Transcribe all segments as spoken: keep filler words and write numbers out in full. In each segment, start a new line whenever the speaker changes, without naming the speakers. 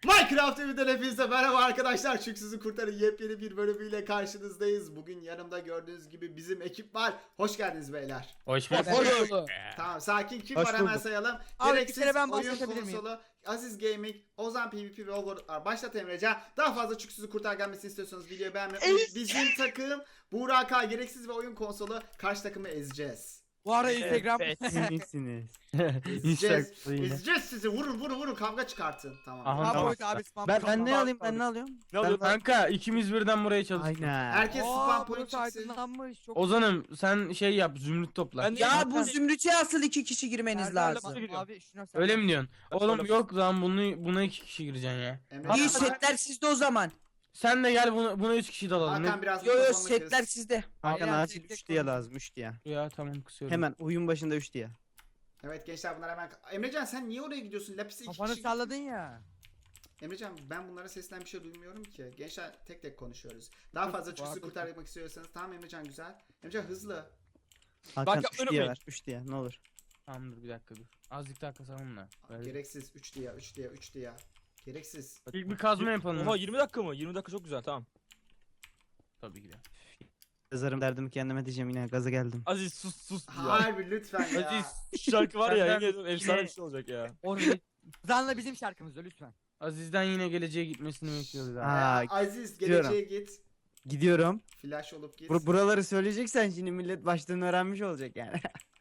Minecraft evinden hepinize merhaba arkadaşlar. Çüksüzü Kurtarın yepyeni bir bölümüyle karşınızdayız. Bugün yanımda gördüğünüz gibi bizim ekip var. Hoş geldiniz beyler.
Hoş bulduk.
Hoş bulduk.
Tamam, sakin, kim
Hoş
var hemen
bulduk.
sayalım.
Abi, bir
Gereksiz
kere ben
oyun
başlatabilir miyim?
konsolu, Aziz Gaming, Ozan PvP ve Overlord var. Başlat Emrecan. Daha fazla Çüksüzü Kurtar gelmesini istiyorsanız videoyu beğenmeyi unutmayın. Bizim takım Buğra K, gereksiz ve oyun konsolu, karşı takımı ezeceğiz.
Bu ara Instagram
Iyisiniz.
Ezeceğiz. Ezeceğiz sizi. Vurun vurun vurun, kavga çıkartın. Tamam.
Aha.
Spam
Tamam.
point abi spam
Ben,
point.
ben ne alayım ben ne alıyorum?
Ne oluyor
Ben-
kanka? İkimiz birden buraya çalıştık.
Aynen.
Herkes
Aa,
spam point
burası
çıksın.
aydınlanmış. Çok
Ozan'ım sen şey yap, zümrüt topla.
Ben
Ya bu zümrütçe asıl iki kişi girmeniz
Erdal'le
lazım.
bak- Abi şuna sen
Öyle
bak.
mi diyorsun?
Ben
Oğlum
sonra-
yok lan bunu buna iki kişi gireceksin ya.
Emrecan,
İyi setler sizde o zaman.
Sen de gel buna, buna üç kişi dalalım.
Hakan biraz
Yo yo
mikrofonunu kız.
setler sizde.
Hakan
Hakan
acil
acil
tek
üç
tek
diye
konuş.
lazım üç diye.
Ya tamam kısıyorum.
Hemen oyun başında üç diye.
Evet gençler, bunlar hemen... Emrecan sen niye oraya gidiyorsun? Lapis'e iki
Kafanı
kişi...
salladın ya.
Emrecan, ben bunlara sesten bir şey duymuyorum ki. Gençler tek tek konuşuyoruz. Daha fazla
Bu
çüksü
arada-
kurtarmak istiyorsanız. Tamam Emrecan, güzel. Emrecan hızlı.
Hakan
Bak,
üç
öyle
diye
mi?
ver üç diye ne olur.
Tamam dur bir dakika dur. Azıcık daha kasalım da. Böyle.
Gereksiz. üç diye, üç diye, üç diye. Gereksiz.
İlk bir kazma yapalım.
Oha yirmi dakika mı? yirmi dakika çok güzel, tamam.
Tabii ki de.
Yazarım derdimi kendime diyeceğim yine gaza geldim.
Aziz sus sus ya.
Harbi lütfen ya.
Aziz,
Şu şarkı var ya,
Senden
yemin ediyorum efsane
yine-
bir şey olacak ya.
Orada Zanla bizim şarkımızda lütfen.
Aziz'den yine geleceğe gitmesini bekliyoruz abi.
Aa,
Ee, Aziz
gidiyorum.
geleceğe git.
Gidiyorum.
Flash olup git.
Bur- buraları söyleyeceksen şimdi millet baştan öğrenmiş olacak yani.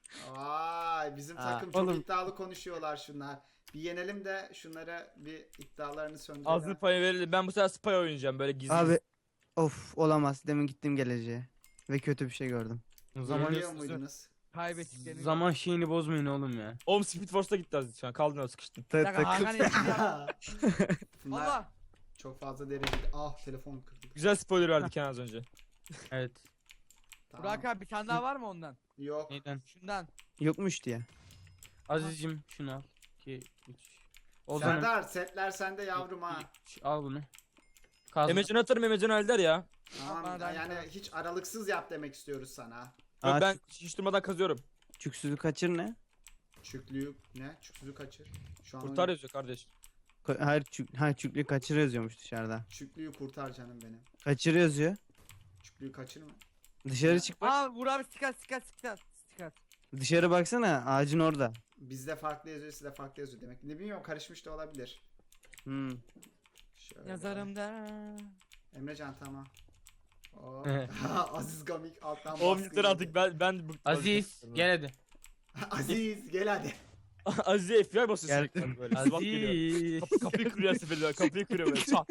Vay, bizim
Aa,
takım çok
oğlum.
iddialı konuşuyorlar şunlar. Bir yenelim de şunlara bir iddialarını söndürelim.
Azı payı verelim. Ben bu sefer spy oynayacağım böyle gizli.
Abi of olamaz demin gittim geleceğe. Ve kötü bir şey gördüm.
Zaman
Yeniliyor muydunuz?
Kaybettiklerini.
zaman şeyini bozmayın oğlum ya.
Oğlum Speed Force'da gitti Aziz şu an. Kaldın öyle sıkıştın.
Ta-
Bir dakika,
takım-
Hakan eski ya.
Bunlar
Valla.
çok fazla derecede. Ah, telefon kırdık.
Güzel spoiler verdik yani az önce.
Evet.
Tamam.
Burak abi bir tane daha var mı ondan?
Yok.
Neyden?
Şundan.
Yokmuş diye.
Aziz'cim şunu al. iki, üç. Ozan'ım
Serdar, setler sende yavrum ha.
al bunu. Kazma.
Emrecan atarım, Emrecan halder ya.
Tamam,
Bana da
yani
aynı
hiç aralıksız yap demek istiyoruz sana.
Yok,
Aa,
ben hiç durmadan kazıyorum.
Çüksüzü kaçır ne?
Çüklüğü ne? Çüklüğü kaçır. Şu an
Kurtar
oyun-
yazıyor kardeş.
Ka- Hayır, çük hayır çüklü kaçır yazıyormuş dışarıda.
Çüklüğü kurtar canım benim.
Kaçır yazıyor.
Çüklüğü kaçırma.
Dışarı çık bak.
Aa Burak abi stikat stikat stikat stikat.
Dışarı baksana ağacın orada.
Bizde farklı yazıyor, sizde farklı yazıyor demek. Ne bilmiyorum, karışmış da olabilir.
Hmm.
Şöyle.
Yazarımda.
Emrecan tamam. Oo. Aziz Gamik alttan
Oğlum
baskı
yeter
yedi.
artık ben ben bu
Aziz gel hadi.
Aziz gel hadi.
Aziz F B I basıyor
Geldim.
sürekli böyle. SWAT geliyor.
Aziz.
Kapı, kapıyı kırıyor seferler. Kapıyı kırıyor böyle. Çat.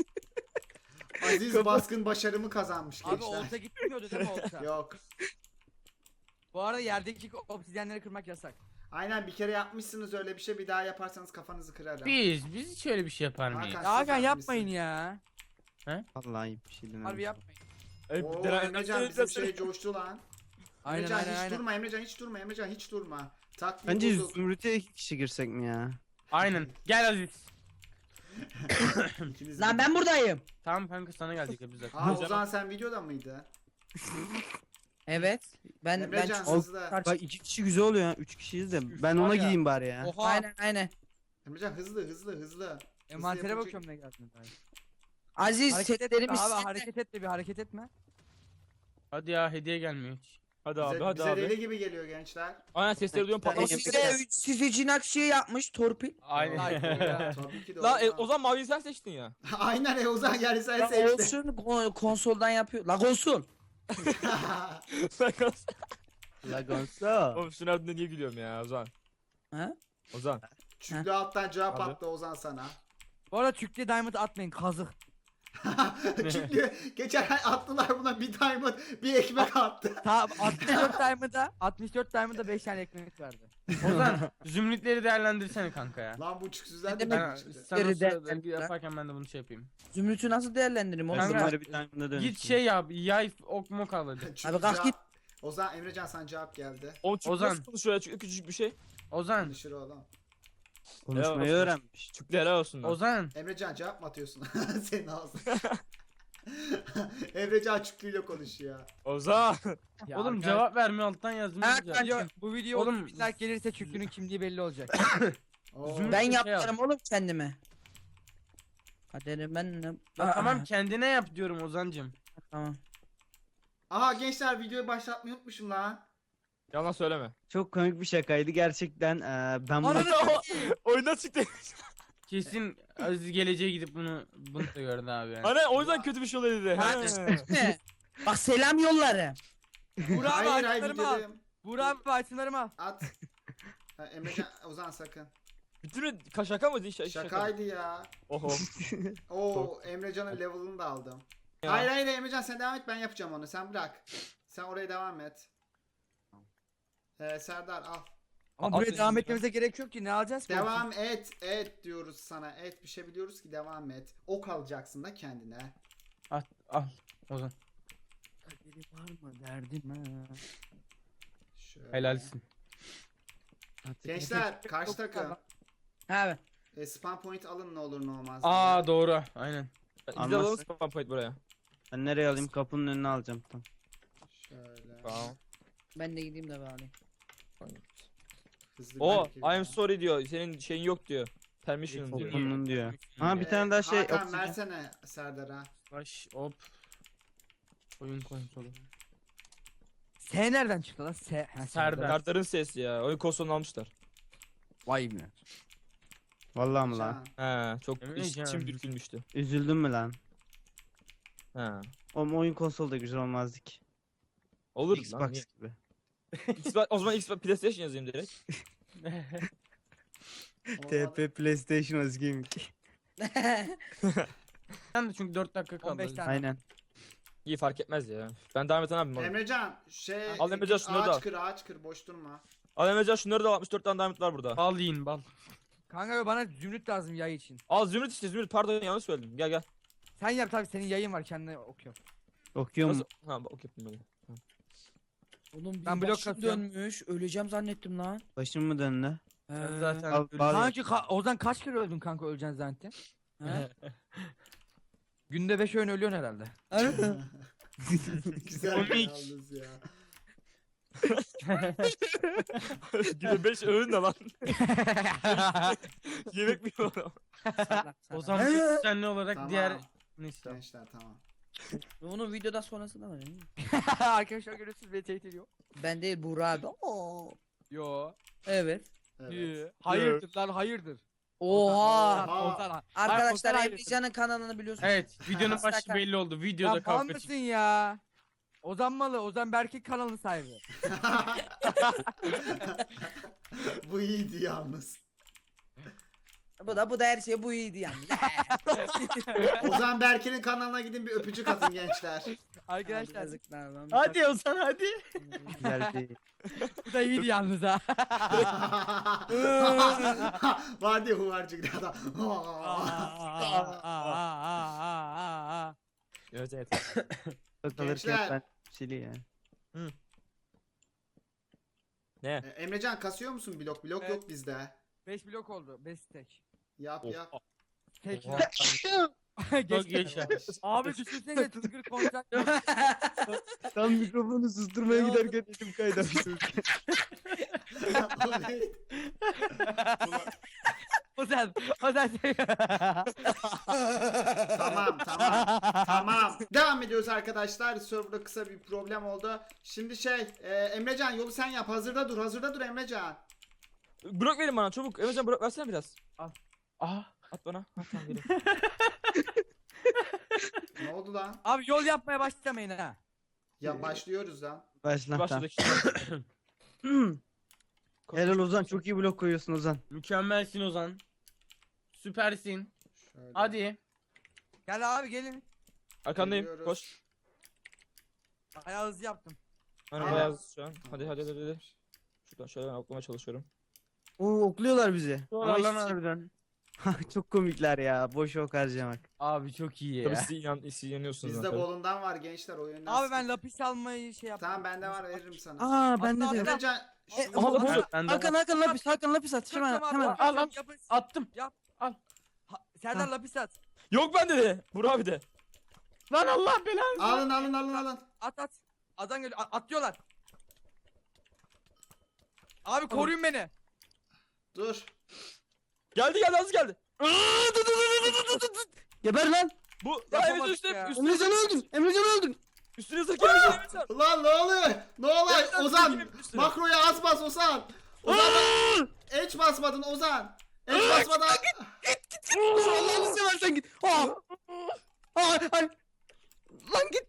Aziz baskın başarımı kazanmış
Abi
gençler.
olta gitmiyordu değil mi olta?
Yok.
Bu arada yerdeki obsidyenleri kırmak yasak.
Aynen, bir kere yapmışsınız öyle bir şey, bir daha yaparsanız kafanızı kırarım.
Biz biz hiç öyle bir şey yapar mıyız?
Hakan,
Ya Hakan
siz
yapmayın
yapmışsınız.
ya.
Vallahi iyi bir şey denedim.
Harbi yapmayın.
Ey,
Oo,
denen-
Emrecan bizim şey coştu lan.
Aynen
Emrecan
aynen
hiç
aynen.
durma, Emrecan hiç durma, Emrecan hiç durma. Taktiği
Bence
bozuk.
zümrüte iki kişi girsek mi ya?
Aynen. Gel Aziz.
İkiniz
Lan
de-
ben buradayım.
Tamam kanka sana geldik ya biz zaten.
Aa, Ozan sen videoda mıydı?
Evet. Ben ben
Emrecan
çok-
hızlı.
Bak iki kişi güzel oluyor ya. Üç kişiyiz de. Ben
var
ona
ya.
gideyim bari ya.
Oha.
aynen aynen.
Emrecan hızlı hızlı hızlı.
Envantere
yapacak-
bakıyorum ne geldi.
Aziz
Hareket etme
setlerimiz
abi
sende.
hareket etme bir hareket etme.
Hadi ya hediye gelmiyor hiç.
Hadi abi
Bize,
hadi
bize
abi.
deli gibi geliyor gençler.
Aynen sesleri duyuyorum
Ben-
O
patlamak
Ben-
üzere.
size, siz için aksiye yapmış torpil.
Aynen.
Ay,
Tabii ki de
La e,
Ozan.
o zaman maviyi sen seçtin ya.
Aynen e, Ozan yani sen
La
seçtin.
olsun ko- konsoldan yapıyor. La konsol.
Lagonso.
Oğlum şunun ardında niye gülüyorum ya Ozan?
Ha?
Ozan.
Çünkü alttan cevap
Abi.
attı Ozan sana.
Bu arada Türkçe diamond atmayın kazık.
Çünkü geçen ay attılar buna bir diamond bir ekmek attı.
Ta altmış dört diamond'a altmış dört diamond'a beş tane ekmek verdi.
Ozan zümrütleri değerlendirsene kanka ya.
Lan bu çüksüzden
Ne
de
demek?
Ben,
çıktı.
sen o
Zümrütleri
sırada
değerlendir-
yaparken ben de bunu şey yapayım.
Zümrüt'ü nasıl değerlendiririm oğlum?
Kanka,
Ben-
Bunları bir diamond'a dönüştür.
Git şey yap, yay ok mok al hadi.
Çünkü
Abi kalk
cevap-
git.
Ozan, Emrecan sana cevap geldi.
Oğlum Çüklü
Ozan.
nasıl konuşuyor ya? Çüklü küçücük bir şey.
Ozan,
Konuşur oğlum.
Konuşmayı
Helal olsun.
öğrenmiş.
Çüklü helal olsun lan.
Ozan.
Emrecan cevap mı atıyorsun? Senin ağzın. Emrecan Çüklü'yle konuşuyor.
Ozan.
Ya
Oğlum
arkadaş-
cevap vermiyor alttan yazdım.
Ha,
güzel.
kanka.
Video, bu video
Oğlum-
oğlum like gelirse Çüklü'nün kimliği belli olacak.
Oo.
Zümrüt-
Ben
şey
yaptırım oğlum kendime. Kaderim ben ne?
Ya tamam kendine yap diyorum Ozancım.
Tamam.
Aha gençler videoyu başlatmayı unutmuşum lan.
Yalan söyleme.
Çok komik bir şakaydı gerçekten. Ee, ben bunu
Ananı
Oyundan çıktı.
Kesin Aziz geleceğe gidip bunu bunu da gördü abi yani.
Ana o yüzden kötü bir şey oluyor dedi.
Ha.
He.
Bak selam yolları.
Burak abi
Hayır hayır
itemlerimi al.
videodayım.
Burak abi itemlerimi al.
At. Ha, Emrecan Ozan sakın.
Bütün mi? Ka- Şaka mıydı? Ş- şaka.
Şakaydı ya.
Oho.
Oo Emrecan'ın level'ını da aldım.
Ya.
Hayır hayır Emrecan sen devam et ben yapacağım onu. Sen bırak. Sen oraya devam et. Ee, Serdar al.
Ama
Al
buraya
seni
devam
lütfen.
etmemize gerek yok ki ne alacağız ki?
Devam et et diyoruz sana. Et bir şey biliyoruz ki devam et. Ok alacaksın da kendine.
Al al Ozan.
Kaderi var mı derdim ha.
Şöyle.
Helalsin.
Gençler karşı takım.
Abi.
E, spam point alın ne olur ne olmaz.
Aa doğru aynen.
Biz de
Almazsak-
alalım spam point buraya.
Ben nereye alayım? Kapının önüne alacağım. Tamam.
Şöyle.
Tamam.
Ben de gideyim de bari.
Hızlı
O
bir
I am sorry diyor. Senin şeyin yok diyor. Permission diyor.
Kapının diyor. Ha
Ha
bir tane daha şey.
Hakan
oksijen.
versene Serdar'a.
Baş hop. Oyun konsolu.
S nereden çıktı lan? S. Ha,
Serdar.
Kartların sesi ya. Oyun konsolunu almışlar.
Vay be.
Vallahi mi lan?
Can.
He çok
Öyle
iç,
canım.
içim bürkülmüştü.
Üzüldün mü lan?
He.
O oyun konsolu da güzel olmazdı ki.
Olur lan.
Xbox
niye?
gibi.
Xbox, o zaman Xbox PlayStation yazayım direkt.
T P PlayStation Özgeyim ki.
Ben de çünkü dört dakika kaldı.
on beş tane.
Aynen.
İyi fark etmez ya. Ben devam eten abim oğlum.
Emrecan şey
Al Emrecan, şunları da al.
ağaç kır ağaç kır boş durma.
Al Emrecan şunları da al, altmış dört tane diamond var burada.
Bal yiyin bal.
Kanka bana zümrüt lazım yay için.
Al zümrüt işte zümrüt pardon yanlış söyledim. Gel gel.
Sen yap tabii senin yayın var kendine okuyorum.
Okuyor mu?
Nasıl? Ha bak ok yapayım böyle.
Oğlum bir
Ben blok
başım
atıyorum.
dönmüş. Öleceğim zannettim lan.
Başım mı döndü?
Sen
He.
zaten
Al,
ölü-
bal-
Kanka ka Ozan kaç kere öldün kanka öleceksin zannettin?
He?
Günde beş öğün ölüyorsun herhalde.
Güzel
Komik.
yalnız ya.
Gide beş öğün de lan. Yemek mi yiyor?
Ozan düzenli olarak
Tamam.
diğer neyse.
Gençler tamam.
Onun videoda sonrası da var. değil mi?
Arkadaşlar görüyorsunuz beni tehdit ediyor.
Ben değil Buğra abi. Oo.
Yo.
Evet.
Evet.
Hayırdır lan hayırdır.
Oha.
Oha.
Ozan,
Arkadaşlar
Ozan
Emrecan'ın kanalını biliyorsunuz.
Evet videonun başı
Sakar.
belli oldu.
Ya
Videoda
mal
kavga
mısın
çıktı.
ya? Ozan malı, Ozan Berkek kanalının sahibi.
Bu iyiydi yalnız.
Bu da bu da her şey bu iyiydi yani.
Ozan Berke'nin kanalına gidin bir öpücük atın gençler.
Arkadaşlar
Yazıklar lan.
Hadi Ozan hadi.
Güzel değil.
bu da iyiydi yalnız ha.
Var diye huvarcık adam.
Evet evet.
Takılırken
Gençler.
ben sili ya.
Ne?
E, Emrecan kasıyor musun blok? Blok
Evet.
yok bizde.
beş blok oldu. beş stack.
Yap
Of.
yap.
Tek.
Oha.
Çok
Geç.
yaşa.
Abi düşünsene tıngır konser.
Tam mikrofonu susturmaya giderken elim kaydı açtım.
O neydi?
Ozan, Ozan şey.
Tamam tamam. Tamam. Devam ediyoruz arkadaşlar. Serverda kısa bir problem oldu. Şimdi şey e, Emrecan yolu sen yap. Hazırda dur. Hazırda dur Emrecan.
Blok verin bana çabuk. Emrecan blok versene biraz.
Ah.
At bana. Ha, tamam geliyorum.
Ne oldu lan?
Abi yol yapmaya başlamayın ha.
Ya başlıyoruz lan.
Başla. Tamam.
Başladık.
Helal Ozan, çok iyi blok koyuyorsun Ozan.
Mükemmelsin Ozan. Süpersin.
Şöyle.
Hadi.
Gel abi gelin.
Arkandayım.
Geliyoruz.
Koş.
Bayağı hızlı yaptım.
Hani
Aa.
beyaz şu an. Hadi hadi hadi hadi. Şuradan şöyle ben oklamaya çalışıyorum.
Oo okluyorlar bizi. Ama
Doğru
hiç-
lan harbiden.
çok komikler ya. Boş ok harcamak.
Abi çok iyi
Tabii
ya.
siz inan, siz inanıyorsunuz.
Bizde
zaten.
bolundan var gençler oyundan.
Abi ben lapis almayı şey yaptım.
Tamam bende var veririm sana.
Aa bende
Hatta
de yok.
ben-
Emrecan
E,
şu-
aha, bu-
Evet, ben de
Hakan
var.
Hakan lapis Hakan lapis at. Hemen
Tamam abi,
hemen.
al,
al.
yapın.
Attım.
Yap.
Al.
Ha, Serdar lapis at.
Yok bende de. Burak abi de.
Lan Allah belanı.
alın alın alın alın.
At at. Adam geliyor. A- atlıyorlar. Abi koruyun beni.
Dur.
Geldi geldi az geldi.
Geber lan.
Bu. Lan
Yapamadık
Emrecan üstüne.
ya.
Üstüne
Emrecan'ı öldür. Emrecan'ı öldür.
Üstüne zık Emrecan Emrecan.
Lan ne oluyor? Ne oluyor?
Emrecan,
Ozan
çekilin üstüne.
makroya az bas Ozan. Ozan H basmadın Ozan. H basmadan.
Allah'ını seversen git. Aa. Aa, ay. Lan git.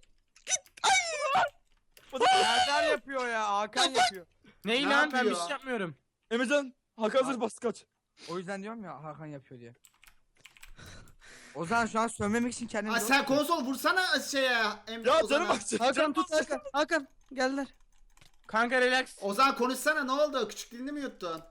Serdar yapıyor ya. Hakan yapıyor.
Ney
Ne
lan ben bir
yapıyor?
şey yapmıyorum.
Emrecan. Hakan hazır bas kaç.
O yüzden diyorum ya Hakan yapıyor diye. Ozan şu an sövmemek için kendini
Ay
zor
sen
tutuyor.
konsol vursana şeye. Emre
Ya
Ozan'a.
canım bak.
Hakan tut Hakan. Hakan. Geldiler.
Kanka relax.
Ozan konuşsana ne oldu? Küçük dilini mi yuttun?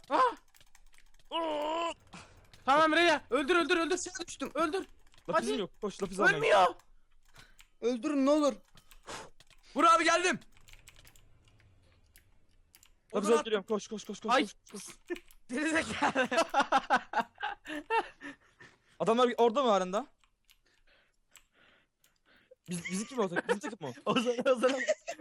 Tamam Reya öldür öldür öldür.
Aşağı düştüm.
Öldür.
Lapizim
Hadi.
yok. Koş lapiz almaya.
Ölmüyor.
Öldürün ne olur.
Vur abi geldim.
Lapiz
Ozan
alıp geliyorum. Koş koş koş koş.
Ay.
koş, koş.
Gerizekalı.
Adamlar orada mı halen Biz, bizimki mi olacak? Bizim takım mı?
Ozan Ozan.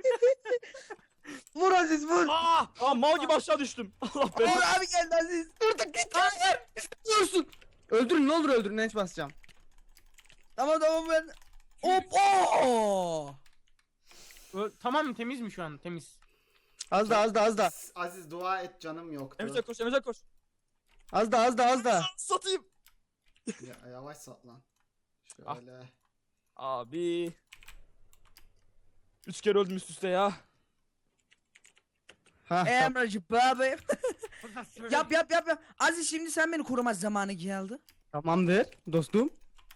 Vur Aziz vur.
Aa!
Aa mal gibi aşağı düştüm. Allah
Vur
belanı.
abi geldi Aziz. Dur git. Hayır. İstemiyorsun. Öldürün ne olur öldürün. Neç basacağım.
Tamam tamam ben. Hop oo.
Ö- Tamam temiz mi şu an? Temiz.
Az da az da az da.
Aziz dua et canım yoktu.
Emrecan koş Emrecan koş.
Az da az da az da.
Satayım.
Ya, yavaş sat lan.
Ah.
Şöyle.
Abi. Üç kere öldüm üst üste ya.
Ha,
Emracı baba. Yap yap yap yap. Aziz şimdi sen beni koruma zamanı geldi.
tamamdır dostum.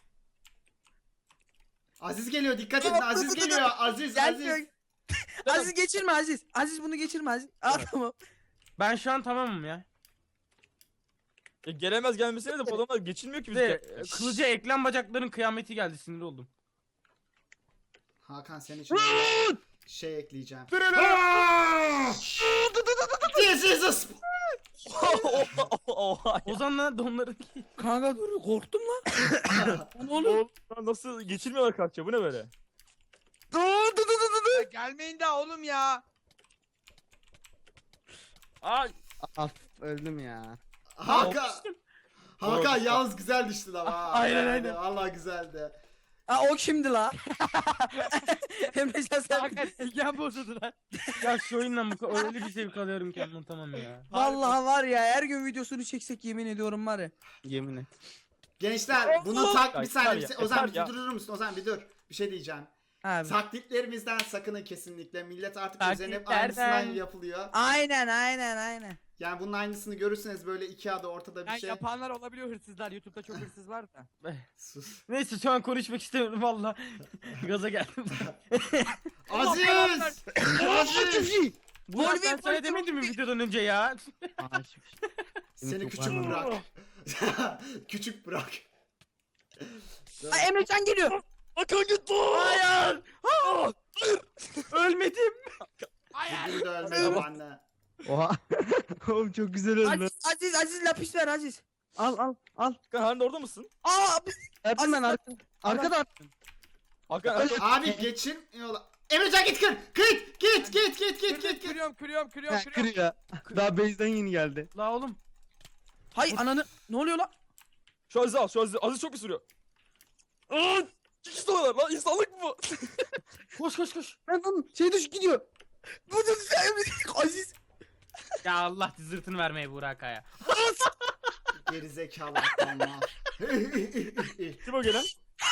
Aziz geliyor dikkat edin
Tamam,
Aziz
dur, dur,
geliyor Aziz
Gelmiyor.
Aziz.
Aziz geçirme Aziz. Aziz bunu geçirme Aziz. Aa tamam.
Ben şu an tamamım ya.
Ya gelemez gelmesine de bu adamlar geçilmiyor ki
Bir de
bizimki.
e, kılıca eklem bacakların kıyameti geldi sinir oldum.
Hakan senin için şey ekleyeceğim.
Dur
This is a sp-
Oha ya.
Ozan'la donların
Kanka dur korktum lan.
Oğlum lan nasıl geçilmiyorlar karşıya bu ne böyle?
Dur dur dur dur dur.
Ya gelmeyin daha oğlum ya.
Ay.
Af öldüm ya.
Hakan. Hakan
Doğru.
yalnız güzel düştün ama. ha.
Aynen,
Yani
aynen.
Allah güzeldi.
Aa o kimdi la? Emrecan sen.
Hakan silgen bozuldu lan.
Ya şu oyundan bu kadar öyle bir zevk alıyorum ki anlatamam ya.
Vallahi var ya her gün videosunu çeksek yemin ediyorum var ya.
Yemin et.
Gençler bunu tak bir
Ya,
saniye.
yeter
bir-
ya,
Ozan
yeter
bir
ya.
durur musun? Ozan bir dur. Bir şey diyeceğim.
Abi.
Taklitlerimizden sakının kesinlikle. Millet artık üzerine hep
Taklitlerden.
aynısından yapılıyor.
Aynen aynen aynen.
Yani bunun aynısını görürseniz böyle iki adı ortada bir
Yani
şey.
yapanlar olabiliyor hırsızlar. YouTube'da çok hırsız var da.
Sus.
Neyse şu an konuşmak istemiyorum valla. Gaza geldim.
Aziz! Aziz!
Burak ben
Wolverine
sana demedim mi videodan önce ya?
Seni
çok
küçük
var.
bırak. Küçük bırak.
Aa, Emrecan geliyor.
Hakan git bu.
Hayır! Ölmedim.
Bugün de ölmedim anne.
Oha. Oğlum çok güzel öldü.
Aziz Aziz Aziz lapis ver Aziz.
Al al al.
Hakan halen orada mısın?
Aa
Erdim ben arka. Arkada.
Hakan
Abi geçin yola. Emrecan git kır. Kıt git git git git git git.
Kırıyorum kırıyorum kırıyorum
Ha,
kırıyorum.
kır ya. Daha base'den yeni geldi.
La oğlum.
hay ananı ne oluyor la?
şu Aziz al şu Aziz. Aziz çok bir sürüyor. Aa! İkisi de var lan insanlık mı bu?
Koş koş koş.
Lan lan şey düş gidiyor.
Bu da Aziz.
Ya Allah zırtını vermeye Burak ya.
Geri zekalı aptalma.
Kim o gelen?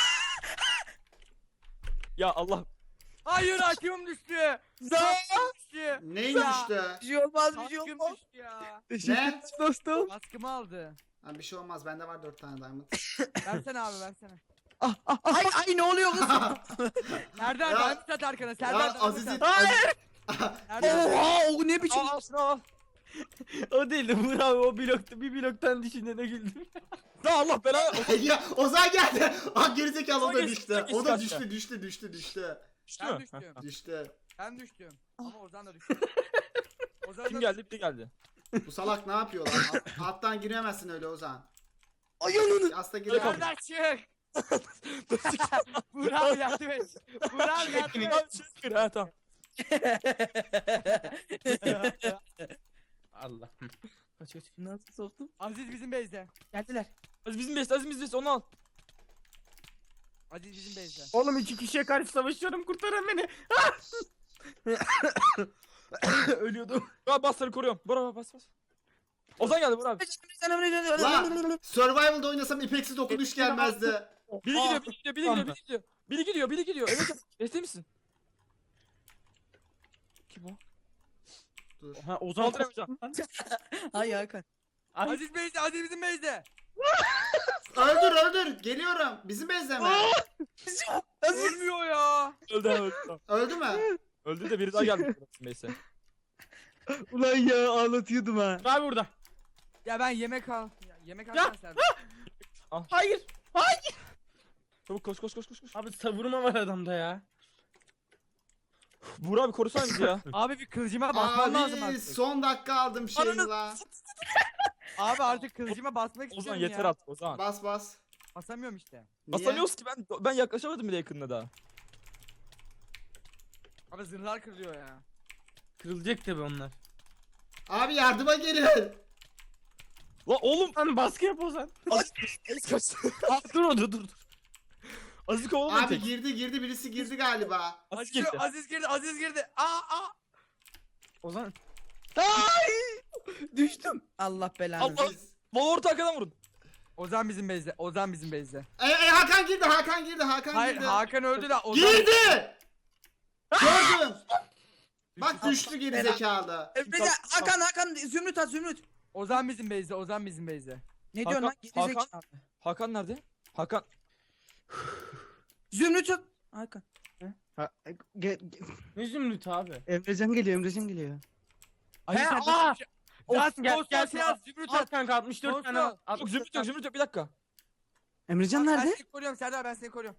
Ya Allah.
Hayır hakim düştü.
Za.
Düştü.
Neyin düştü?
Bir şey olmaz bir şey
Hakim
olmaz.
düştü ya.
Teşekkür
Ne?
ederim dostum.
Baskımı aldı.
Ha, bir şey olmaz bende var dört tane diamond.
Versene abi versene.
Ah ah ah.
Ay ay ne oluyor kız?
Serdar
Ya-
davet at arkana. Serdar
Ya
davet
Aziz'in...
at.
Hayır!
Serdar.
Oha o ne biçim?
Al al şunu al.
O değil de Burak abi o blokta bir bloktan düşünene güldüm.
Ya Allah belanı.
ya Ozan geldi. Ah gerizekalı o
Ozan
da
geçti,
düştü.
Ozan geçti
O da
kaçta.
düştü düştü düştü düştü.
Düştü
Ben
mü?
düştüm.
Düştü.
Ben düştüm. Ama Ozan da düştü. Ozan
Kim
da
geldi? Bir geldi.
Bu salak ne yapıyor lan? Alt- Alttan giremezsin öyle Ozan.
Ay ananı.
Hasta girer.
Serdar çık. Burak yardım et. Burak yardım et.
Tamam şükür ha tamam.
Allah. Kaç kaç.
Nasıl soktum?
Aziz bizim base'de.
Geldiler.
Aziz bizim best, Aziz bizim best onu al.
Aziz bizim base'de.
Oğlum iki kişiye karşı savaşıyorum, kurtarın beni. Ölüyordum.
Ya bas seni koruyorum. Bravo bas bas. Ozan geldi Burak abi.
Lan Survival'da oynasam ipeksiz dokunuş gelmezdi.
Biri
Aa.
gidiyor, biri gidiyor, biri gidiyor, biri gidiyor. Biri gidiyor, biri gidiyor. Evet, desteği misin? Kim o?
Dur.
Ha Ozan
Kaldıramayacağım.
Ay Hakan.
Ay,
Aziz base'de, Aziz bizim base'de.
Öldür öldür. Geliyorum. Bizim bezle mi?
Ölmüyor ya.
Öldü, öldü.
Öldü mü?
Öldü de biri daha geldi. Neyse.
Ulan ya ağlatıyordum ha.
abi burada.
Ya ben yemek al. Ya, yemek
Ya.
alsana Serdar.
Hayır. Hayır.
Çabuk koş koş koş koş koş.
Abi savurma var adamda ya.
Burak abi korusana bizi ya.
Abi bir kılıcıma basmam lazım
Abi
artık.
son dakika aldım şeyini la.
Abi artık kılıcıma basmak
Ozan
istiyorum
yeter
ya.
artık Ozan.
Bas bas.
Basamıyorum işte.
Niye?
Basamıyoruz ki ben ben yaklaşamadım bile yakınına daha.
Abi zırhlar kırılıyor ya.
Kırılacak tabi onlar.
Abi yardıma gelin.
Lan oğlum.
Lan baskı yap Ozan.
Aziz kaç.
Aa, dur orada dur dur.
Aziz kovalamayın
Abi
tek.
girdi girdi birisi girdi galiba.
Aziz
Aziz,
girdi.
Aziz girdi, Aziz girdi. Aa aa.
Ozan.
Düştüm. Allah belanı.
Allah.
Biz-
Bol orta arkadan vurun.
Ozan bizim base'de, Ozan bizim base'de.
E, e, Hakan girdi Hakan girdi Hakan
Hayır
girdi.
Hakan öldü de Ozan.
Girdi. Gördüm. Bak düştü geri zekalı.
Emrecan, Hakan Hakan Zümrüt at Zümrüt.
Ozan bizim base'de, Ozan bizim base'de.
Ne
Hakan-
diyorsun lan? Geri
Hakan-
zekalı.
Hakan nerede? Hakan.
Zümrüt at. Hakan.
Ha, ge- ge-
Ne zümrüt abi.
Emrecan geliyor Emrecan geliyor.
Aziz
He,
sen
aa!
nasıl- Ya
Olsun, gel,
Kostas
gel,
şey yaz, Zümrüt
At
at.
kanka altmış dört tane.
Olsun.
at-
Yok zümrüt yok zümrüt yok bir dakika.
Emrecan
Ben
nerede?
seni koruyorum Serdar, ben seni koruyorum.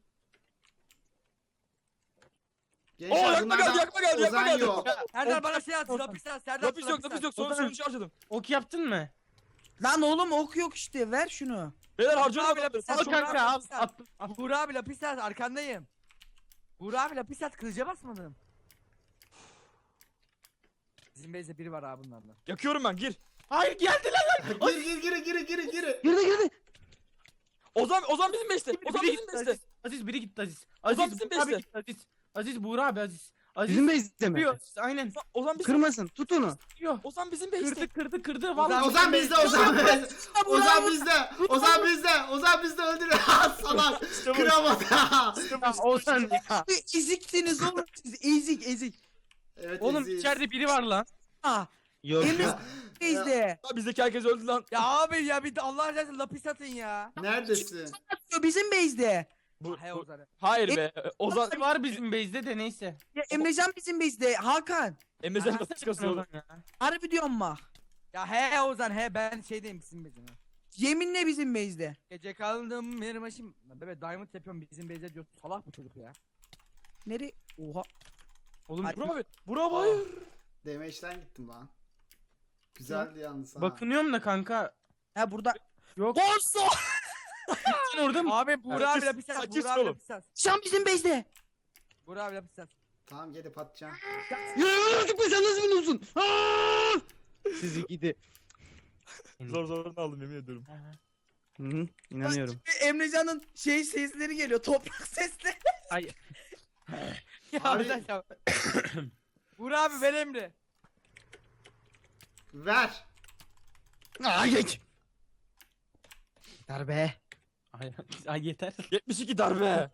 Gençler,
Oo, yakma
bunlardan
geldi, yakma geldi, yakma
Ozan
geldi.
yok.
Serdar bana şey at, lapis at, Serdar
Lapis yok lapis yok son
Ozan.
sonucu harcadım.
Ok yaptın mı?
Lan oğlum ok yok işte ver şunu.
Beyler
Abi,
harcıyorum
lapis
adamları.
at,
Al
Çok
kanka
rahat
al.
yapmışlar.
Attım. Al.
Buğra abi lapis at, arkandayım. Buğra abi lapis at, kılıca basmadım. Bizim base'de biri var abi bunlardan.
Yakıyorum ben gir.
Hayır geldiler lan.
Gir gir gir gir gir gir.
Girdi girdi.
Ozan Ozan bizim beşte. Ozan
Biri
bizim
gitti
beşte.
Aziz. Aziz biri gitti Aziz.
Ozan
Aziz
bizim
Buğra abi
beste.
gitti Aziz. Aziz Buğra abi Aziz. Aziz
Bizim base'de mi?
kırıyor. Aynen.
Ozan- Ozan bizim.
Kırmasın tut onu.
Kırıyor.
Ozan bizim beşte.
Kırdı kırdı kırdı.
Ozan-
Vallahi.
Ozan bizde Ozan bizde. Ozan bizde. Ozan bizde. Ozan bizde öldür. Salak. Kıramadı.
Ya, Ozan ya.
Eziksiniz oğlum siz ezik ezik.
Evet,
Oğlum
eziz.
içeride biri var lan.
Ha.
Yok
Emre
ya.
bizde.
Lan bizdeki herkes öldü lan.
Ya abi ya bir de Allah razı olsun lapis atın ya.
Neredesin?
Bizim base'de.
Bu,
He
bu-
Ozan.
hayır be. Ozan
Var bizim base'de de neyse.
Ya Emrecan bizim base'de. Hakan.
Emrecan nasıl çıkasın oğlum?
Ozan ya.
Harbi diyorum bak.
Ya he Ozan he, ben şeydeyim bizim base'de.
Yeminle bizim base'de.
Gece kaldım benim başım. Bebe diamond yapıyorum bizim base'de diyor. Salak bu çocuk ya.
Nere? Oha.
Oğlum
Hadi.
Burak abi. Burak abi hayır.
Damage'den gittim lan. Güzeldi yalnız ha.
bakınıyorum da kanka.
Ha burada.
Yok.
Borsa.
Sen orada mı?
Abi Buğra abi lapis at.
Saçma
Buğra abi
oğlum.
lapis at.
Şu an bizim base'de.
Buğra abi lapis at.
Tamam gelip atacağım.
Ya artık be sen nasıl biliyorsun? Aa! Sizi gidi.
Zor zorunu aldım yemin ediyorum.
Hı hı, inanıyorum.
Emrecan'ın şey sesleri geliyor. Toprak sesleri.
Ay.
Ya
Abi-
Ozan ya. Buğra abi ver emri.
Ver.
Aa geç. Darbe.
Ay, ay yeter.
yetmiş iki darbe.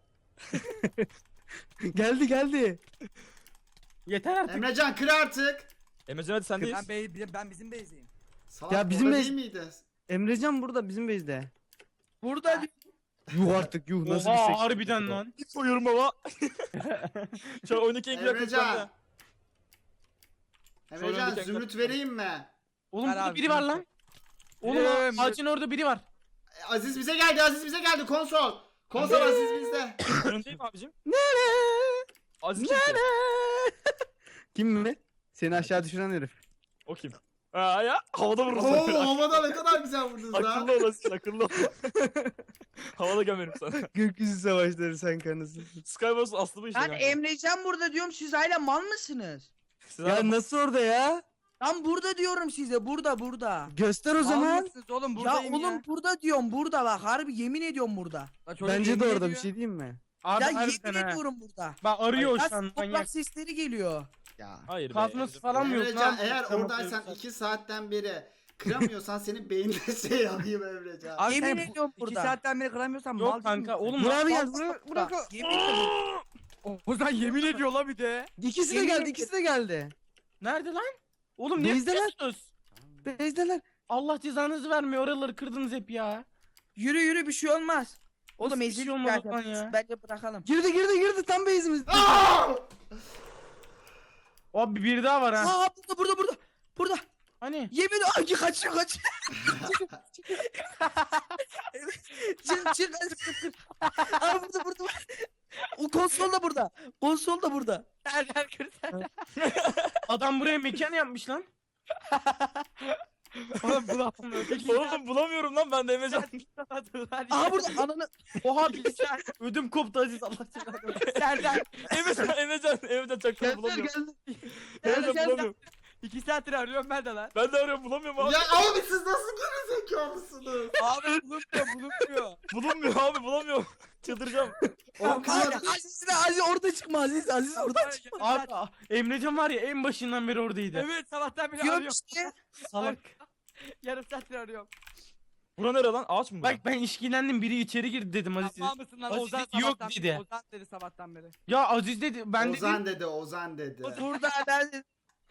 Geldi geldi.
Yeter artık.
Emrecan kır artık.
Emrecan hadi sendeyiz.
Ben, bey, ben bizim base'deyim.
Salak
Ya bizim
orada
bez-
değil miydi?
Emrecan burada bizim base'de.
Burada.
Yuh artık yuh nasıl bir
Oha
seks.
harbiden lan.
Koyuyorum baba. Şu an oyundaki en güzel
Emrecan.
kızlar.
Emrecan
öndeki
zümrüt
ekran-
vereyim mi?
Oğlum
Ver
burada
abi,
biri var
zümrüt
lan. Oğlum
Biliyorum,
ağacın orada biri var.
E, Aziz bize geldi Aziz bize geldi konsol. Konsol Aziz bizde.
Önündeyim abicim.
Nere?
Aziz kimse.
Nere? Kim mi? Seni aşağı düşüren herif.
O kim? Aa ya havada vururuz.
Oo havada ne kadar güzel vurdunuz lan.
Akıllı olasın akıllı ol. Havada gömerim sana.
Gökyüzü savaşları sen kanısın.
Skywars aslı bu işte.
Lan
kanka.
Emrecan burada diyorum siz hala mal mısınız?
Siz
Ya
abi-
nasıl orada ya?
Lan burada diyorum size burada burada.
Göster o
Mal
zaman.
mısınız oğlum
Ya
buradayım
oğlum
ya.
burada diyorum burada bak harbi yemin ediyorum burada.
Lan çocuk
Bence de
yemin
orada bir
ediyor.
şey diyeyim mi?
Abi
Ya
harbiden
yemin
ha.
ediyorum burada.
Bak arıyor
Ya
şu an
toprak
manyak.
sesleri geliyor.
Ya.
Hayır be.
Kazması falan mı yok
Emrecan
lan?
eğer
Tamam,
oradaysan
tamam.
iki saatten beri kıramıyorsan senin beyninde şey alayım Emrecan.
Abi
Yemin
sen bu-
ediyorum
iki
burada.
saatten beri kıramıyorsan mal
Yok
değil
kanka
misin?
oğlum.
Burak abi
bak-
gel. Burak, Burak.
Bak, yemin ediyorum.
Ozan yemin ediyor la bir de.
İkisi de
Yemin
geldi.
ederim.
ikisi de geldi.
Nerede lan? Oğlum ne
Bezdeler.
yapıyorsunuz?
Bezdeler.
Allah cezanızı vermiyor. Oraları kırdınız hep ya.
Yürü yürü bir şey olmaz. Oğlum
Nasıl bir
ezilik
şey olmaz
zaten.
lan ya?
Bence bırakalım.
Girdi girdi girdi tam base'imiz.
Aa!
Abi bir daha var ha.
Aa burada burada burada. Burada.
Hani?
Yemin ay kaçıyor kaçıyor. çık çık hadi çık çık. Aa burada burada. O konsol da burada. Konsol da burada.
Nereden kırsan?
Adam buraya mekan yapmış lan.
Oğlum bu laf mı?
Oğlum bulamıyorum lan ben de Emrecan.
Aa burada ananı.
Oha bilgisayar. Ödüm koptu Aziz Allah cezanı.
Serdar.
Emrecan, Emrecan, Emrecan çaktım
Geldiler
bulamıyorum.
geldi.
Emrecan
Serdar.
bulamıyorum.
İki saattir arıyorum ben de lan.
Ben de arıyorum bulamıyorum abi.
Ya abi siz nasıl gerizekalısınız?
Abi bulunmuyor bulunmuyor.
Bulunmuyor abi bulamıyorum. Çıldıracağım.
Oğlum
Abi,
kızlar-
Aziz de Aziz orada çıkma Aziz Aziz orada çıkma.
Abi Emrecan var ya en başından beri oradaydı.
Evet sabahtan beri
Diyorum
arıyorum.
işte.
Salak.
Yarım saattir arıyorum.
Bura nere lan? Ağaç mı bura?
Bak ben işkilendim biri içeri girdi dedim Aziz.
Yapma mısın lan?
Aziz
Ozan
dedi, yok
sabahtan
dedi.
Ozan dedi sabahtan beri.
Ya Aziz dedi ben
Ozan
dedim.
dedi Ozan dedi.
Burada ben...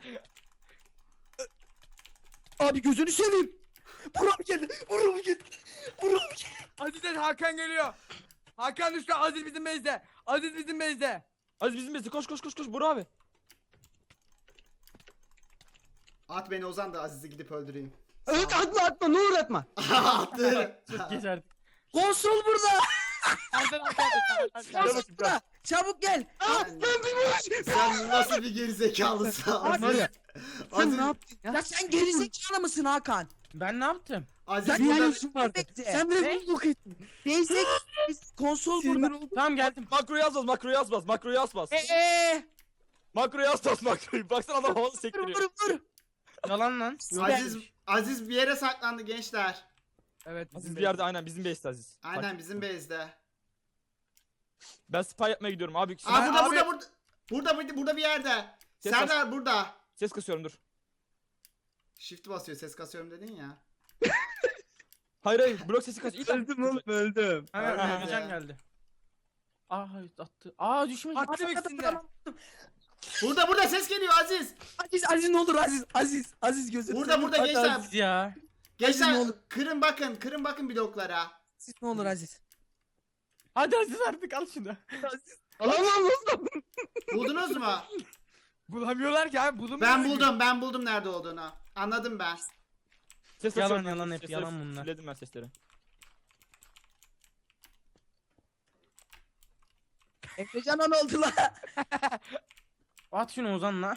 Abi gözünü seveyim. Buram geldi. Buram geldi. Buram geldi.
Aziz'den Hakan geliyor. Hakan düştü. Aziz bizim bezde. Aziz bizim bezde.
Aziz bizim bezi koş koş koş koş Bura abi.
At beni Ozan da Aziz'i gidip öldüreyim.
Evet atma atma ne olur atma.
Attı.
Çok geç artık.
Konsol burada.
Serdar Hakan.
Gel
Konsol
bakayım,
burada. Çabuk gel.
Sen, sen nasıl bir gerizekalısın
Var
Aziz?
ya. Sen
Aziz,
ne yaptın ya?
Ya sen gerizekalı mısın Hakan?
Ben ne yaptım?
Aziz
Ya
burada...
yani-
işin vardı.
Bekle.
Sen beni
Ne?
bulduk ettin.
Neyse konsol
Sinir
burada.
oldum.
Tamam geldim.
Makroyu az bas, makroyu az bas, makroyu az bas.
Eee.
Makroyu az bas, makroyu. Baksana adam havalı
Vur
sektiriyor.
vur vur.
Yalan lan.
Aziz, Aziz bir yere saklandı gençler.
Evet
Aziz bir yerde aynen bizim base'te Aziz.
Aynen
Bak,
bizim base'de.
Ben spy yapmaya gidiyorum abi.
Aa burada
Abi,
burada burada. Burada burada burada bir yerde.
Ses
Serdar burada.
Ses kasıyorum dur.
Shift basıyor ses kasıyorum dedin ya.
Hayır hayır blok sesi kaç. İlk
Öldüm oğlum öldüm.
Ha,
Ölmedi.
Emrecan geldi. Aa hayır, attı. Aa düşmedi.
Attım ikisini de.
Burada burada ses geliyor Aziz.
Aziz Aziz ne olur Aziz Aziz Aziz gözünü
Burada
seveyim.
burada
Hadi
gençler.
Aziz ya.
Gençler
ne olur.
kırın bakın kırın bakın bloklara.
Aziz ne olur Aziz.
Hadi Aziz artık al şunu.
Alamam oğlum.
Buldunuz mu?
Bulamıyorlar ki abi bulunmuyor.
Ben buldum ben buldum nerede olduğunu. Anladım ben.
Ses
Yalan,
kasıyorum.
yalan hep,
Sesleri
yalan bunlar.
Fulledim ben sesleri.
Emrecan'a ne oldu lan?
At şunu Ozan'la.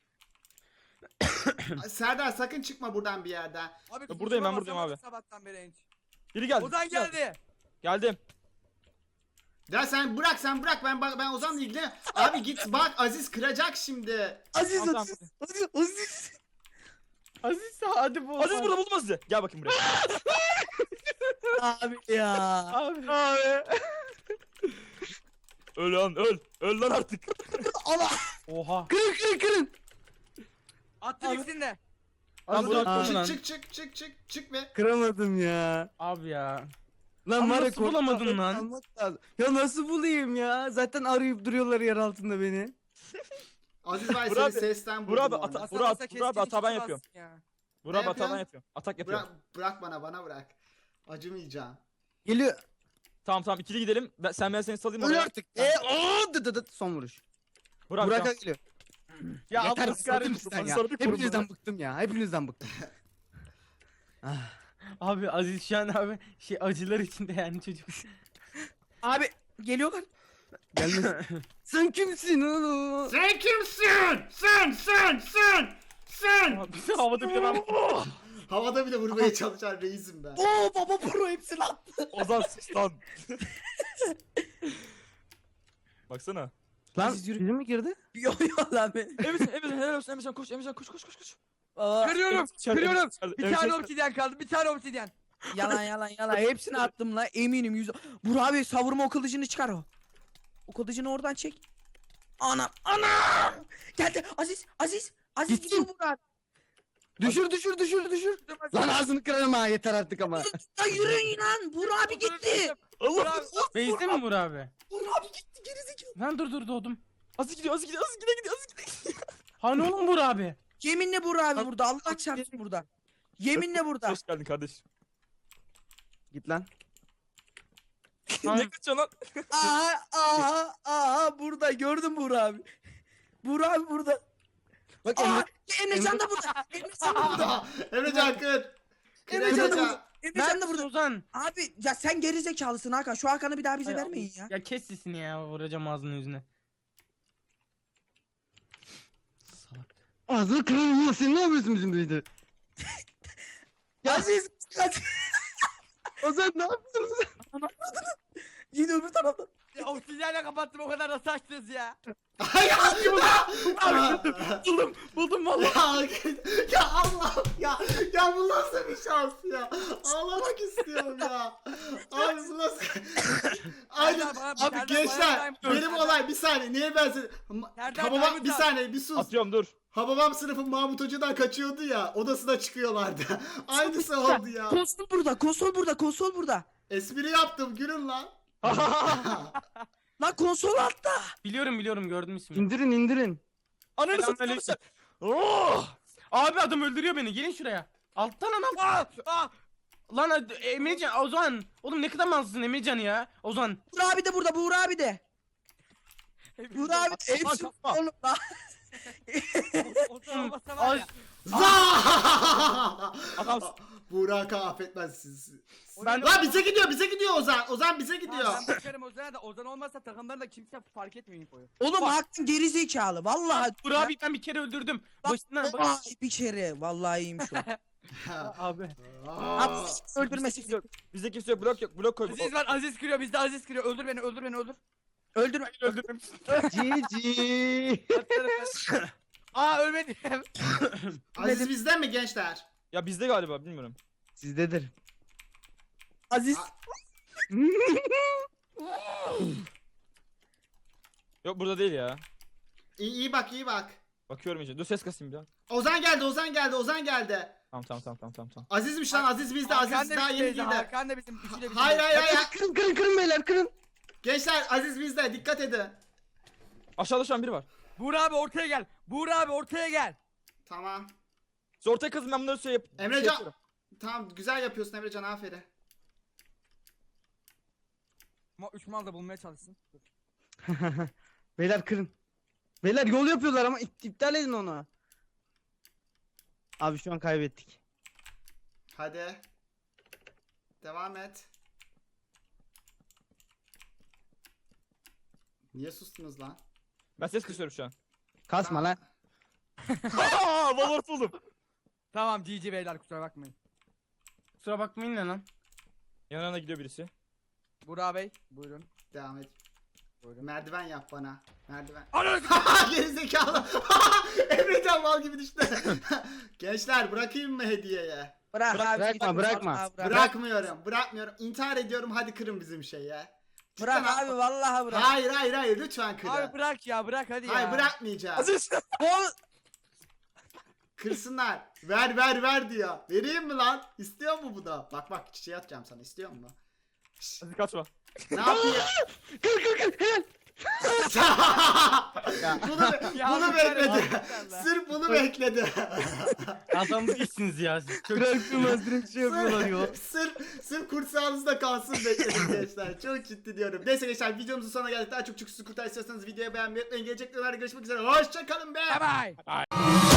Serdar sakın çıkma buradan bir yerden.
Abi,
Ya buradayım, ben
kusura
buradayım
bakma
abi.
Sabahtan beri enç.
Biri geldi.
Ozan geldi.
Geldim.
Ya sen bırak sen bırak ben bak ben Ozan'la ilgili. Abi git bak Aziz kıracak şimdi.
Aziz
Tamam, tamam,
Aziz Aziz Aziz.
Aziz hadi bu.
Aziz burada buldum Aziz'i. Gel bakayım buraya.
Abi ya.
Abi.
Abi. Öl lan öl. Öl lan artık.
Allah.
Oha.
Kırın kırın kırın.
Attım ikisini de.
Abi
Dur,
attın
çık
lan.
çık çık çık çık çık be.
Kıramadım ya.
Abi ya.
Lan
Ama
var ya
nasıl bulamadın
korktum,
lan?
almak lazım. Ya nasıl bulayım ya? Zaten arayıp duruyorlar yer altında beni.
Aziz Bay
Burak
seni
abi,
sesten
Burak
buldum
abi,
orada.
ata-
Basa
Burak-
basa
Burak abi,
keskin
hata ben
iki
yapıyorum.
bas ya.
Burak abi
yapıyorsun?
hata ben yapıyorum. Atak yapıyorum.
Bırak, bırak bana bana bırak. Acımayacağım.
Geliyor.
Tamam tamam ikili gidelim. Ben, sen ben seni salayım
Öl
oraya.
artık. E o dı dı dı son vuruş.
Burak,
Burak'a
tamam.
geliyor.
Ya
Yeter
Allah
bıktım
kahretsin.
sizden ya.
Sarı bir kurum
Hepinizden
bana.
bıktım ya. Hepinizden bıktım. Ah.
Abi Aziz şu an abi şey acılar içinde yani çocuk.
Abi geliyorlar.
Gelmesin. Sen kimsin oğlum?
Sen kimsin? Sen sen sen sen.
Abi havada bir de ben.
Havada bile vurmaya çalışan reisim ben.
Oo baba pro hepsini attı.
Ozan sus lan. Baksana.
Lan
Aziz yürü.
bizim mi girdi?
Yok yok lan ben.
Emrecan, Emrecan helal olsun Emrecan koş Emrecan koş koş koş koş.
Aa,
Kırıyorum.
İçeride,
Kırıyorum.
içeride,
Bir
Emrecan
tane
içeride.
obsidyen kaldı. Bir tane obsidyen.
yalan yalan yalan hepsini attım la eminim yüz. Burak abi savurma o kılıcını çıkar o. O kılıcını oradan çek. Anam anam. Geldi Aziz Aziz. Aziz
Gitsin.
gidiyor Burak.
Düşür düşür düşür düşür. Lan ağzını kırarım ha yeter artık ama.
Ya yürüyün lan. Burak abi gitti.
Allah.
Base'de mi Burak abi?
Burak abi gitti gerizekalı.
Lan dur dur doğdum.
Aziz gidiyor, Aziz gidiyor, Aziz gidiyor, gidiyor, Aziz gidiyor.
Hani oğlum Burak abi?
Yeminle Burak abi burada. Allah çarpsın burada. Yeminle burada.
Hoş geldin kardeş.
Git lan.
Ne kaçıyorsun lan?
Aha aha aha burada gördüm Burak abi. Burak abi burada.
Bak
Aa,
Emre.
Emrecan da burada. Emrecan da burada.
Emrecan kır. Kır
Emrecan da
Emrecan.
burada. Emrecan da burada.
Ozan.
Abi ya sen gerizekalısın Hakan. Şu Hakan'ı bir daha bize
Ay,
vermeyin ya.
Ya kes sesini ya vuracağım ağzının yüzüne. Salak.
Ağzını kırarım ya sen ne yapıyorsun bizim beyde?
Aziz. Aziz.
Ozan ne yapıyorsun?
Yine öbür taraftan.
Ya oksijenle kapattım o kadar nasıl açtınız ya?
Ay ya.
Buldum buldum valla.
Ya, ya Allah ya ya bu nasıl bir şans ya, ağlamak istiyorum ya abi, bu nasıl Aynen
Serdar bana-
abi
Serdar
gençler,
bana-
benim
Serdar-
olay bir saniye, niye ben size
Serdar
Hababam
Diamond
bir
at.
saniye bir sus.
Atıyorum dur.
Hababam sınıfın Mahmut Hoca'dan kaçıyordu ya, odasına çıkıyorlardı. Aynısı oldu ya.
Konsol burada. Konsol burada. Konsol burada.
Espri yaptım, gülün lan.
Lan konsol altta.
Biliyorum biliyorum gördüm ismini.
İndirin indirin.
Ananı
Selamünaleyküm.
satayım. Oh!
Abi adam öldürüyor beni gelin şuraya. Alttan anam.
Ah! Ah!
Lan hadi, Emrecan Ozan. Oğlum ne kadar malsın Emrecan ya. Ozan.
Burak abi de burada. Burak abi de. Burak abi de. Hepsi
kapma.
oğlum lan.
Otur olmasa var ya.
Za!
Adamsın.
Burak'ı affetmez siz.
Ben-
Lan bize gidiyor, bize gidiyor Ozan. Ozan bize gidiyor.
Ha, ben bakarım Ozan'a da Ozan olmazsa takımdan da kimse fark etmiyor infoyu.
Oğlum Hakan gerizekalı. Vallahi.
Burak abi ben bir kere öldürdüm. Başından bak.
Vallahi bir kere. Vallahi iyiyim şu an.
Abi.
Abi
Aa.
öldürmesin.
Bizde kimse yok, blok yok, blok koy.
Aziz var Aziz kırıyor bizde Aziz kırıyor öldür beni öldür beni öldür.
Öldürme.
Öldürdüm.
Cici.
Aa ölmedim.
Aziz bizden mi gençler?
Ya bizde galiba, bilmiyorum.
Sizdedir.
Aziz.
Yok burada değil ya.
İyi, iyi bak, iyi bak.
Bakıyorum iyice. Dur ses kasayım bir daha.
Ozan geldi, Ozan geldi, Ozan geldi.
Tamam tamam tamam tamam tamam. tamam.
Azizmiş lan, Aziz bizde,
Hakan
Aziz
da
daha yeni
bizdeydi,
girdi.
Hakan da bizim üçü de bizim.
Hayır hayır hayır.
Kırın kırın kırın beyler kırın.
Gençler Aziz bizde, dikkat edin.
Aşağıda şu an biri var.
Buğra abi ortaya gel. Buğra abi ortaya gel.
Tamam.
Siz ortaya kazın, ben bunları şey yap.
Emrecan-
şey yapıyorum.
Tamam, güzel yapıyorsun Emrecan, aferin.
Ama üç mal da bulmaya çalışsın. Dur.
Beyler kırın. Beyler yol yapıyorlar ama ip- iptal edin onu. Abi şu an kaybettik.
Hadi. Devam et. Niye sustunuz lan?
Ben ses kısıyorum şu an.
Kasma lan.
Aaa Valorant buldum.
Tamam G G beyler kusura bakmayın.
Kusura bakmayın ne lan.
Yanına gidiyor birisi.
Buğra Bey buyurun.
Devam et.
Buyurun.
Merdiven yap bana. Merdiven.
Ananı
Gerizekalı. Emrecan mal gibi düştü. Gençler bırakayım mı hediyeye?
Bırak
Bırak-
abi.
bırakma,
git.
bırakma.
Vallahi bırak.
Bırakmıyorum, bırakmıyorum. İntihar ediyorum, hadi kırın bizim şeyi ya.
Bırak
Cidden-
abi vallahi bırak.
Hayır hayır hayır, lütfen kırın.
Abi bırak ya bırak hadi ya.
Hayır bırakmayacağım.
Aziz.
Oğlum,
Kırsınlar. Ver ver ver diyor. Vereyim mi lan? İstiyor mu bu da? Bak bak, çiçeği atacağım sana. İstiyor mu? Şşş,
Aziz kaçma.
ne yapayım?
Kır kır kır helal.
bunu
Ya
bunu
abi,
bekledi.
Allah.
Sırf bunu bekledi.
Adam değilsiniz ya siz. Çok
Bırakılmaz direkt şey yapıyorlar ya.
sırf, sırf, sırf kursağınızda kalsın bekledim gençler. Çok ciddi diyorum. Neyse gençler, videomuzun sonuna geldik. Daha çok çok sizi kurtar istiyorsanız videoyu beğenmeyi unutmayın. Gelecek videolarda görüşmek üzere. Hoşçakalın be.
Bye bye.